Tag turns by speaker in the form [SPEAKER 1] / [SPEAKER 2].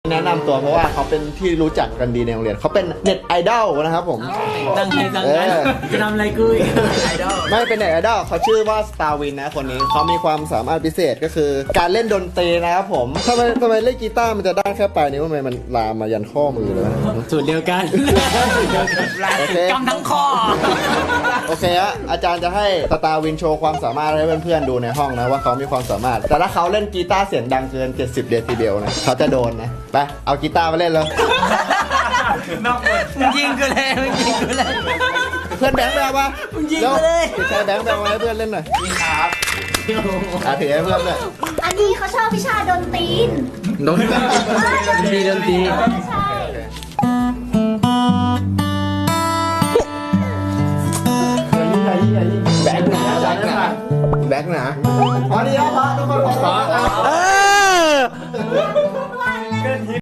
[SPEAKER 1] แนะนำตัวเพราะว่าเขาเป็นที่รู้จักกันดีในโรงเรียนเขาเป็นเน็ตไอดอลนะครับผม
[SPEAKER 2] ตั้งใจตั้งใจจะทำอะไรกูอีกไอดอล
[SPEAKER 1] ไม่เป็นเน็ตไอดอลเขาชื่อว่าสตาร์วินนะคนนี้เขามีความสามารถพิเศษก็คือการเล่นดนตรีนะครับผมทำไมเล่นกีตาร์มันจะได้แค่ปลายนิ้วทำไมมันลามมายันข้อมือเลยวะ
[SPEAKER 2] สูตรเดียวกัน
[SPEAKER 1] โอเค
[SPEAKER 2] กำทั้งคอ
[SPEAKER 1] โอเคฮะอาจารย์จะให้สตาร์วินโชว์ความสามารถให้เพื่อนๆดูในห้องนะว่าเขามีความสามารถแต่ถ้าเขาเล่นกีตาร์เสียงดังเกิน70 เดซิเบลนะเขาจะโดนนะไปเอากีตาร์มาเล่นเลย
[SPEAKER 2] มึงยิงกูเลยมึงยิงกูเลย
[SPEAKER 1] เพื่อนแบงค์ไปเอามา
[SPEAKER 2] มึงยิงกูเลย
[SPEAKER 1] เดี๋ยวใช้แบงค์ไปเอามาให้เพื่อนเล่นหน่อยนี่ครับถือให้เพื่อนเลย
[SPEAKER 3] อันนี้เขาชอบวิชาดนตรี
[SPEAKER 1] โดน
[SPEAKER 2] ดีดนตรี
[SPEAKER 3] ใช่
[SPEAKER 1] แบงค์หนาแบงค์หนาแบงค์หนาพอดีแล้วพอทุกคนพอ